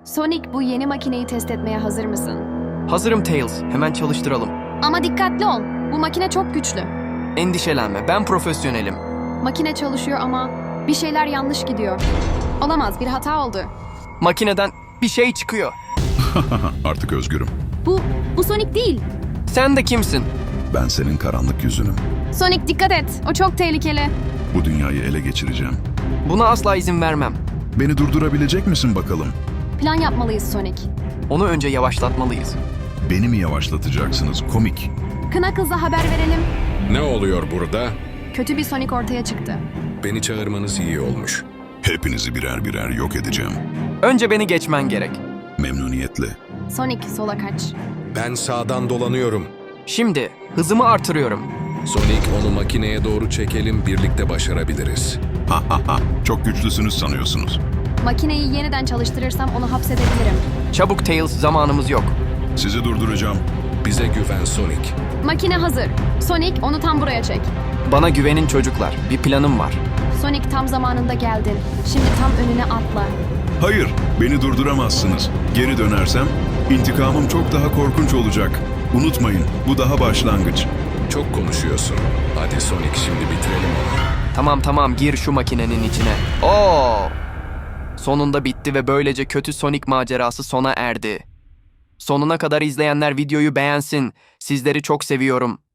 Sonic, bu yeni makineyi test etmeye hazır mısın? Hazırım Tails, hemen çalıştıralım. Ama dikkatli ol. Bu makine çok güçlü. Endişelenme, ben profesyonelim. Makine çalışıyor ama bir şeyler yanlış gidiyor. Olamaz, bir hata oldu. Makineden bir şey çıkıyor. Artık özgürüm. Bu Sonic değil. Sen de kimsin? Ben senin karanlık yüzünüm. Sonic, dikkat et. O çok tehlikeli. Bu dünyayı ele geçireceğim. Buna asla izin vermem. Beni durdurabilecek misin bakalım? Plan yapmalıyız Sonic. Onu önce yavaşlatmalıyız. Beni mi yavaşlatacaksınız komik? Knuckles'a haber verelim. Ne oluyor burada? Kötü bir Sonic ortaya çıktı. Beni çağırmanız iyi olmuş. Hepinizi birer birer yok edeceğim. Önce beni geçmen gerek. Memnuniyetle. Sonic, sola kaç. Ben sağdan dolanıyorum. Şimdi hızımı artırıyorum. Sonic, onu makineye doğru çekelim, birlikte başarabiliriz. Ha ha ha. Çok güçlüsünüz sanıyorsunuz. Makineyi yeniden çalıştırırsam onu hapsedebilirim. Çabuk Tails, zamanımız yok. Sizi durduracağım. Bize güven Sonic. Makine hazır. Sonic, onu tam buraya çek. Bana güvenin çocuklar, bir planım var. Sonic, tam zamanında geldin. Şimdi tam önüne atla. Hayır, beni durduramazsınız. Geri dönersem intikamım çok daha korkunç olacak. Unutmayın, bu daha başlangıç. Çok konuşuyorsun. Hadi Sonic, şimdi bitirelim onu. Tamam, gir şu makinenin içine. Oo! Sonunda bitti ve böylece kötü Sonic macerası sona erdi. Sonuna kadar izleyenler videoyu beğensin. Sizleri çok seviyorum.